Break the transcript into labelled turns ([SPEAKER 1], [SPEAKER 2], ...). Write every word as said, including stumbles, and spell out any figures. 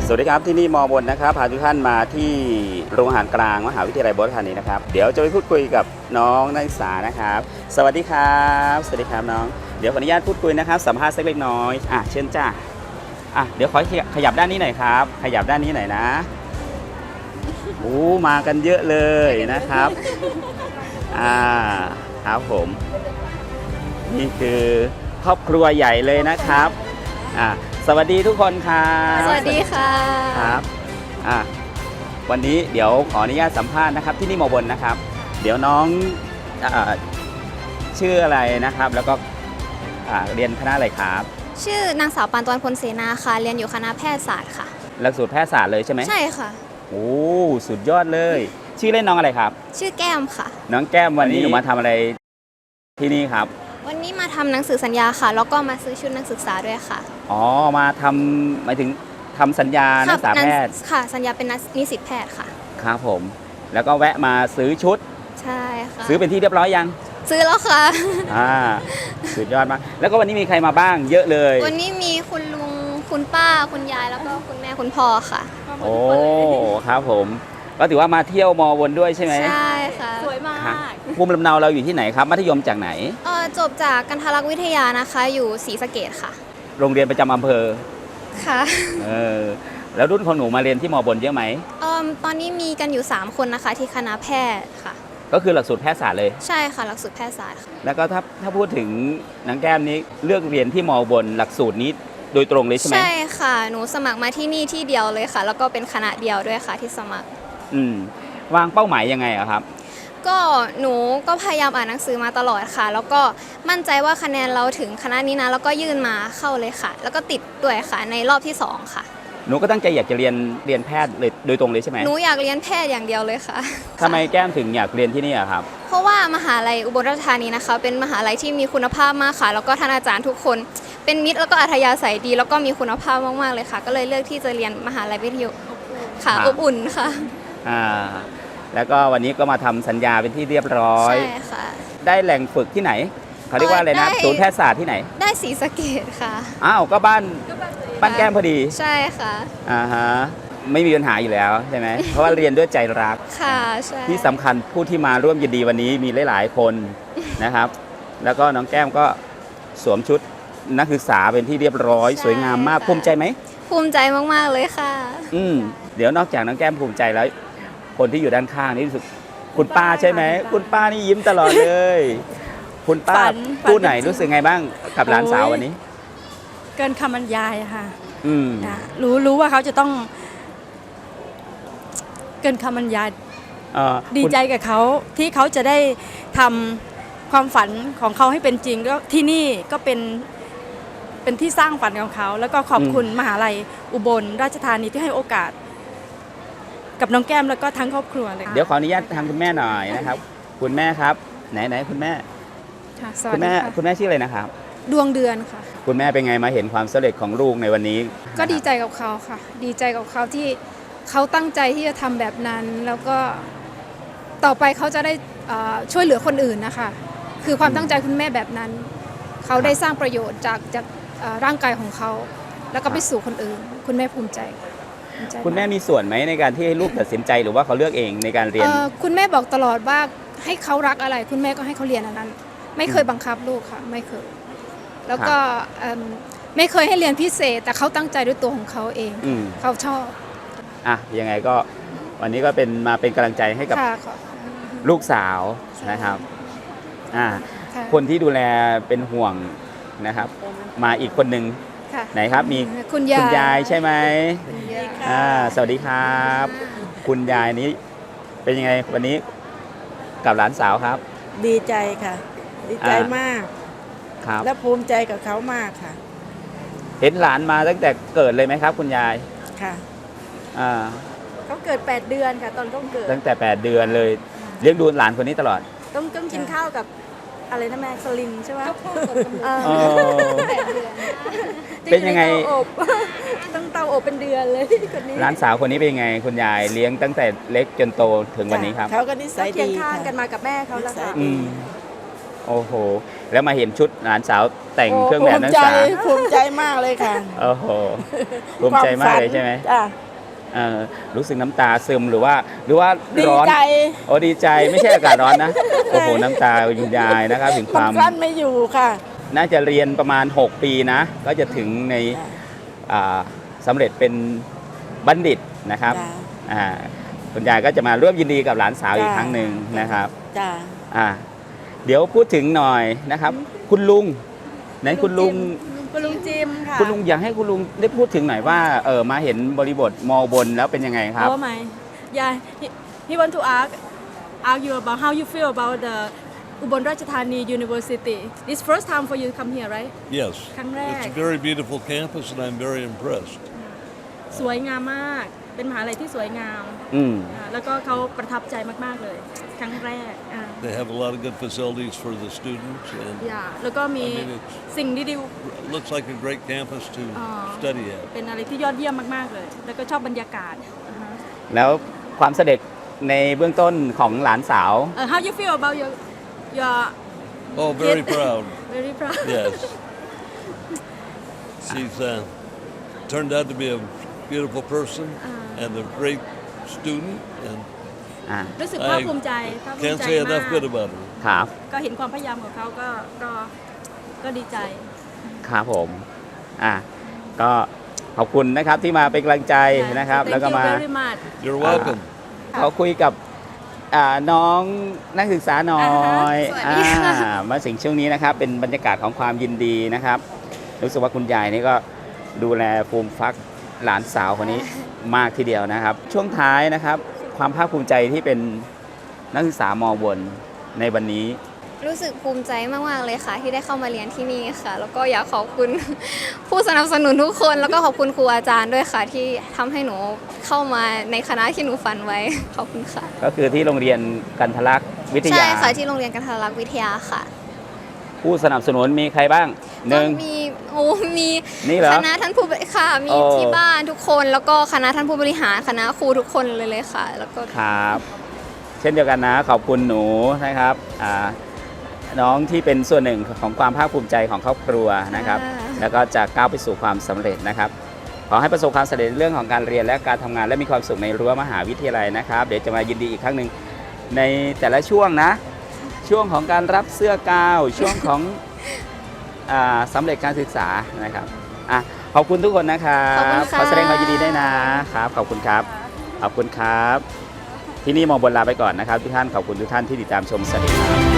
[SPEAKER 1] สวัสดีครับที่นี่มอบนนะครับพาทุกท่านมาที่โรงอาหารกลางมหาวิทยาลัยบรธานีนะครับเดี๋ยวจะไปพูดคุยกับน้องนักศึกษานะครับสวัสดีครับสวัสดีครับน้องเดี๋ยวขออนุญาตพูดคุยนะครับสัมภาษณ์สักเล็กน้อยอ่ะเชิญจ้าอ่ะเดี๋ยวขอขยับด้านนี้หน่อยครับขยับด้านนี้หน่อยนะโอ้มากันเยอะเลยนะครับอ่าครับผมนี่คือครอบครัวใหญ่เลยนะครับอ่าสวัสดีทุกคนครับ
[SPEAKER 2] สวัสดีค่ะ
[SPEAKER 1] ครับอ่ะวันนี้เดี๋ยวขออนุญาตสัมภาษณ์นะครับที่นี่มอบนนะครับเดี๋ยวน้องอ่าชื่ออะไรนะครับแล้วก็อ่าเรียนคณะอะไรครับ
[SPEAKER 2] ชื่อนางสาวปานตวนพลเสนาค่ะเรียนอยู่คณะแพทยศาสตร์ค่ะ
[SPEAKER 1] หลักสูตรแพทยศาสตร์เลยใช่ไหม
[SPEAKER 2] ใช่ค่ะ
[SPEAKER 1] โอ้สุดยอดเลยชื่อเล่นน้องอะไรครับ
[SPEAKER 2] ชื่อแก้มค่ะ
[SPEAKER 1] น้องแก้มวันนี้หนูมาทำอะไรที่นี่ครับ
[SPEAKER 2] วันนี้มาทำหนังสือสัญญาค่ะแล้วก็มาซื้อชุดนักศึกษาด้วยค่ะ
[SPEAKER 1] อ๋อมาทำหมายถึงทำสัญญานักศึกษาแพทย์
[SPEAKER 2] ค่ะสัญญาเป็นนิสิตแพทย์ค่ะ
[SPEAKER 1] ครับผมแล้วก็แวะมาซื้อชุด
[SPEAKER 2] ใช่ค่ะ
[SPEAKER 1] ซื้อเป็นที่เรียบร้อยยัง
[SPEAKER 2] ซื้อแล้วค่ะ
[SPEAKER 1] อ่าสุดยอดมากแล้วก็วันนี้มีใครมาบ้างเยอะเลย
[SPEAKER 2] วันนี้มีคุณลุงคุณป้าคุณยายแล้วก็คุณแม่คุณพ่อค่ะ
[SPEAKER 1] โอ้ครับผมก็ถือว่ามาเที่ยวมอวนด้วยใช่ไหม
[SPEAKER 2] ใช่ค่ะ
[SPEAKER 3] สวยมาก
[SPEAKER 1] ภูมิลำเนาเราอยู่ที่ไหนครับมัธยมจากไหน
[SPEAKER 2] เออจบจากกันทารักษ์วิทยานะคะอยู่ศรีสะเกษค่ะ
[SPEAKER 1] โรงเรียนประจำอำเภอ
[SPEAKER 2] ค่ะ
[SPEAKER 1] เออแล้วรุ่นของหนูมาเรียนที่มอบนเยอะไหม
[SPEAKER 2] เออตอนนี้มีกันอยู่สามคนนะคะที่คณะแพทย์ค่ะ
[SPEAKER 1] ก็คือหลักสูตรแพทยศาสตร์เลย
[SPEAKER 2] ใช่ค่ะหลักสูตรแพทยศาสตร์ค่ะ
[SPEAKER 1] แล้วก็ถ้าถ้าพูดถึงนางแก้มนี้เลือกเรียนที่มอบนหลักสูตรนี้โดยตรงเลยใช่ไหม
[SPEAKER 2] ใช่ค่ะหนูสมัครมาที่นี่ที่เดียวเลยค่ะแล้วก็เป็นคณะเดียวด้วยค่ะที่สมัคร
[SPEAKER 1] อืมวางเป้าหมายยังไงอะครับ
[SPEAKER 2] ก็หนูก็พยายามอ่านหนังสือมาตลอดค่ะแล้วก็มั่นใจว่าคะแนนเราถึงคณะนี้นะแล้วก็ยื่นมาเข้าเลยค่ะแล้วก็ติดด้วยค่ะในรอบที่สองค่ะ
[SPEAKER 1] หนูก็ตั้งใจอยากจะเรียนเรียนแพทย์เลยโดยตรงเลยใช่ไหม
[SPEAKER 2] หนูอยากเรียนแพทย์อย่างเดียวเลยค่ะ
[SPEAKER 1] ทำไมแก้มถึงอยากเรียนที่นี่อะครับ
[SPEAKER 2] เพราะว่ามหาลัยอุบลราชธานีนะคะเป็นมหาลัยที่มีคุณภาพมากค่ะแล้วก็ท่านอาจารย์ทุกคนเป็นมิตรแล้วก็อัธยาศัยดีแล้วก็มีคุณภาพมากๆเลยค่ะก็เลยเลือกที่จะเรียนมหาลัยวิทยุค่ะอบอุ่นค่ะ
[SPEAKER 1] อ่าแล้วก็วันนี้ก็มาทำสัญญาเป็นที่เรียบร้อย
[SPEAKER 2] ใช่ค่ะ
[SPEAKER 1] ได้แหล่งฝึกที่ไหนเขาเรียกว่าอะไรนะศูนย์แพทยศาสตร์ที่ไหน
[SPEAKER 2] ได้ศรีสะเกษค่ะ
[SPEAKER 1] อ้าวก็บ้านบ้านแก้มพอดี
[SPEAKER 2] ใช่ค่ะ
[SPEAKER 1] อ่าฮะไม่มีปัญหาอยู่แล้วใช่ไหม เพราะว่าเรียนด้วยใจรัก
[SPEAKER 2] ค่ะใช่
[SPEAKER 1] ที่สำคัญผู้ที่มาร่วมยินดีวันนี้มีหลายๆคนนะครับแล้วก็น้องแก้มก็สวมชุดนักศึกษาเป็นที่เรียบร้อยสวยงามมากภูมิใจไหม
[SPEAKER 2] ภูมิใจมากๆเลยค่ะ
[SPEAKER 1] อืมเดี๋ยวนอกจากน้องแก้มภูมิใจแล้วคนที่อยู่ด้านข้างนี่รู้สึกคุณป้าใช่ไหมคุณป้านี่ยิ้มตลอดเลยคุณป้าผู้ไหนรู้สึกไงบ้างกับหลานสาววันนี้
[SPEAKER 3] เกินคำบรรยายค่ะ
[SPEAKER 1] อืม
[SPEAKER 3] รู้รู้ว่าเขาจะต้องเกินคำบรรยายดีใจกับเขาที่เขาจะได้ทำความฝันของเขาให้เป็นจริงก็ที่นี่ก็เป็นเป็นที่สร้างฝันของเขาแล้วก็ขอบคุณมหาลัยอุบลราชธานีที่ให้โอกาสกับน้องแก้มแล้วก็ทั้งครอบครัวเลย
[SPEAKER 1] เดี๋ยวขออนุญาตทางคุณแม่หน่อยนะครับคุณแม่ครับไหนไหนคุณแม่คุณแม่คุณแม่ชื่ออะไรนะครับ
[SPEAKER 4] ดวงเดือนค่ะ
[SPEAKER 1] คุณแม่เป็นไงมาเห็นความสำเร็จของลูกในวันนี้
[SPEAKER 4] ก็ดีใจกับเขาค่ะดีใจกับเขาที่เขาตั้งใจที่จะทำแบบนั้นแล้วก็ต่อไปเขาจะได้ช่วยเหลือคนอื่นนะคะคือความตั้งใจคุณแม่แบบนั้นเขาได้สร้างประโยชน์จากจากร่างกายของเขาแล้วก็ไปสู่คนอื่นคุณแม่ภูมิใจ
[SPEAKER 1] คุณแม่มีส่วนไหมในการที่ให้ลูกตัดสินใจหรือว่าเขาเลือกเองในการเรียน
[SPEAKER 4] คุณแม่บอกตลอดว่าให้เขารักอะไรคุณแม่ก็ให้เขาเรียนอันนั้นไม่เคยบังคับลูกค่ะไม่เคยแล้วก็ไม่เคยให้เรียนพิเศษแต่เขาตั้งใจด้วยตัวของเขาเองเขาชอบ
[SPEAKER 1] อ่ะยังไงก็วันนี้ก็เป็นมาเป็นกำลังใจให้กับลูกสาวนะครับอ่าคนที่ดูแลเป็นห่วงนะครับมาอีกคนหนึ่งไหนครับมี
[SPEAKER 4] คุณ
[SPEAKER 1] ยายายใช่ไหมอ่าสวัสดีครับคุณยายนี้เป็นยังไงวันนี้กับหลานสาวครับ
[SPEAKER 5] ดีใจค่ะดีใจมาก
[SPEAKER 1] ครับ
[SPEAKER 5] และภูมิใจกับเขามากค่ะ
[SPEAKER 1] เห็นหลานมาตั้งแต่เกิดเลยไหมครับคุณยาย
[SPEAKER 5] ค่ะ
[SPEAKER 1] อ่า
[SPEAKER 5] เขาเกิดแปดเดือนค่ะตอนเขาเกิด
[SPEAKER 1] ตั้งแต่แปดเดือนเลยเลี้ยงดูหลานคนนี้ตลอด
[SPEAKER 5] ต้องต้องกินข้าวกับอะไรนะแม่สลินใช่ไหม
[SPEAKER 1] เป็นยังไง
[SPEAKER 5] ต้องเตาอบเป็นเดือนเลยคนนี้
[SPEAKER 1] หลานสาวคนนี้เป็นยังไงคุณยายเลี้ยงตั้งแต่เล็กจนโตถึงวันนี้ครับ
[SPEAKER 5] เขาก็นิสัยดี
[SPEAKER 3] เคียงข้างกันมากับแม่เขาแล้วค่ะ
[SPEAKER 1] โอ้โห แล้วมาเห็นชุดหลานสาวแต่ง
[SPEAKER 5] โ
[SPEAKER 1] เครื่องแบบนักศึกษา
[SPEAKER 5] ภูมิใจภูมิใจมากเลยค่ะ
[SPEAKER 1] โอ้โหภูมิใจมากเลยใช่ไหม
[SPEAKER 5] จ้ะ
[SPEAKER 1] เออรู้สึกน้ำตาซึมหรือว่า หรือว่า
[SPEAKER 5] ดี
[SPEAKER 1] ร้อน
[SPEAKER 5] ใจ
[SPEAKER 1] โอ้ดีใจไม่ใช่อากาศร้อนนะ โอ้โหน้ำตาคุณยายนะครับถึงค
[SPEAKER 5] มัน
[SPEAKER 1] วาม
[SPEAKER 5] กลั้นไม่อยู่ค่ะ
[SPEAKER 1] น่าจะเรียนประมาณ หก ปีนะ ก็จะถึงใน
[SPEAKER 5] จ้ะ
[SPEAKER 1] อ่าสำเร็จเป็นบัณฑิตนะครับ
[SPEAKER 5] จ้ะ
[SPEAKER 1] อ่าคุณยายก็จะมาร่วมยินดีกับหลานสาวอีก
[SPEAKER 5] จ้ะ
[SPEAKER 1] ครั้งหนึ่งนะครับ
[SPEAKER 5] จ้ะ
[SPEAKER 1] อ่าเดี๋ยวพูดถึงหน่อยนะครับ คุณลุงไหนคุณลุง
[SPEAKER 3] คุณลุงจิมค่ะ
[SPEAKER 1] คุณลุงอยากให้คุณลุงได้พูดถึงหน่อยว่าเออมาเห็นบริบทมอบนแล้วเป็นยังไงครับ
[SPEAKER 3] Oh my yeah he, he want to ask ask you about how you feel about the Ubon Ratchathani University. This first time for you to come here, right?
[SPEAKER 6] Yes.
[SPEAKER 3] Correct.
[SPEAKER 6] It's a very beautiful campus, and I'm very impressed.
[SPEAKER 3] สวยงามมาก เป็นมหาลัยที่สวยงาม
[SPEAKER 1] อืม
[SPEAKER 3] อ่าแล้วก็เขาประทับใจมาก ๆ เลย ครั้งแรกอ่า
[SPEAKER 6] They have a lot of good facilities for the students, and
[SPEAKER 3] อย่าแล้วก็มี
[SPEAKER 6] I mean, it's-
[SPEAKER 3] สิ่งดี
[SPEAKER 6] it looks like a great campus to
[SPEAKER 3] Aw.
[SPEAKER 6] study at.
[SPEAKER 3] ๆเป็นอะไรที่ยอดเยี่ยมมาก ๆ เลย แล้วก็ชอบบรรยากาศอ่าฮะ
[SPEAKER 1] แล้วความเสด็จในเบื้องต้นของหลานสาว
[SPEAKER 3] เอ่อ how you feel about your your
[SPEAKER 6] Oh, very
[SPEAKER 3] Kid.
[SPEAKER 6] proud.
[SPEAKER 3] very proud
[SPEAKER 6] Yes. She's uh, turned out to be a beautiful person and a great student, and
[SPEAKER 1] อ่า
[SPEAKER 3] รู้สึกภาคภูมิใจภาคภูมิ
[SPEAKER 6] can't
[SPEAKER 3] ใจ
[SPEAKER 6] say
[SPEAKER 3] มา
[SPEAKER 6] enough
[SPEAKER 3] ก
[SPEAKER 6] good about her.
[SPEAKER 1] ครับ
[SPEAKER 3] ก็เห็นความพยายามของเขาก็ก็ก็ดีใจ
[SPEAKER 1] ครับผมอ่าก็ขอบคุณนะครับที่มาเป็นกำลังใจนะครับ
[SPEAKER 3] Thank
[SPEAKER 1] แล้วก็
[SPEAKER 3] you
[SPEAKER 1] มา
[SPEAKER 3] very much
[SPEAKER 6] You're welcome.
[SPEAKER 1] ขอคุยกับอ่าน้องนักศึกษาหน่อย
[SPEAKER 2] อ่าฮะสวัสดีค่ะ
[SPEAKER 1] อ่ามาถึงช่วงนี้นะครับ เป็นบรรยากาศของความยินดีนะครับ รู้สึกว่าคุณยายนี่ก็ดูแลฟูมฟักหลานสาวคนนี้มากทีเดียวนะครับ ช่วงท้ายนะครับ ความภาคภูมิใจที่เป็นนักศึกษามอบนในวันนี้
[SPEAKER 2] รู้สึกภูมิใจมากๆเลยค่ะ ที่ได้เข้ามาเรียนที่นี่ค่ะ แล้วก็อยากขอบคุณ ผู้สนับสนุนทุกคน แล้วก็ขอบคุณครูอาจารย์ด้วยค่ะ ที่ทำให้หนูเข้ามาในคณะที่หนูฝันไว้ ขอบคุณค่ะ
[SPEAKER 1] ก็คือที่โรงเรียนกันทลักษณ์วิท
[SPEAKER 2] ใช่
[SPEAKER 1] ยา
[SPEAKER 2] ค่ะที่โรงเรียนกันทรลักษณ์วิทยาค่ะ
[SPEAKER 1] ผู้สนับสนุนมีใครบ้างหนึ่ง
[SPEAKER 2] ก็มีโอ้มี
[SPEAKER 1] นี่เหรอ
[SPEAKER 2] คณะท่านผู้บริค่ะ มี
[SPEAKER 1] โอ้
[SPEAKER 2] ที่บ้านทุกคนแล้วก็คณะท่านผู้บริหารคณะครูทุกคนเลยเลยค่ะ แล้วก็
[SPEAKER 1] ครับ เช่นเดียวกันนะขอบคุณหนูนะครับอ่าน้องที่เป็นส่วนหนึ่งของความภาคภูมิใจของครอบครัวนะครับ แล้วก็จะก้าวไปสู่ความสำเร็จนะครับ ขอให้ประสบความสำเร็จในเรื่องของการเรียนและการทำงานและมีความสุขในรั้วมหาวิทยาลัยนะครับ เดี๋ยวจะมายินดีอีกครั้งหนึ่งในแต่ละช่วงนะ ช่วงของการรับเสื้อกาวช่วงของอาสำเร็จการศึกษานะครับอ่ะขอบคุณทุกคนนะครับ
[SPEAKER 2] ขอบคุณค่ะ
[SPEAKER 1] ขอแสดงความยินดีด้วยนะครับขอบคุณครับขอบคุณครับ ที่นี่มองบนลาไปก่อนนะครับทุกท่านขอบคุณทุกท่านที่ติดตามชมสวัสดีครับ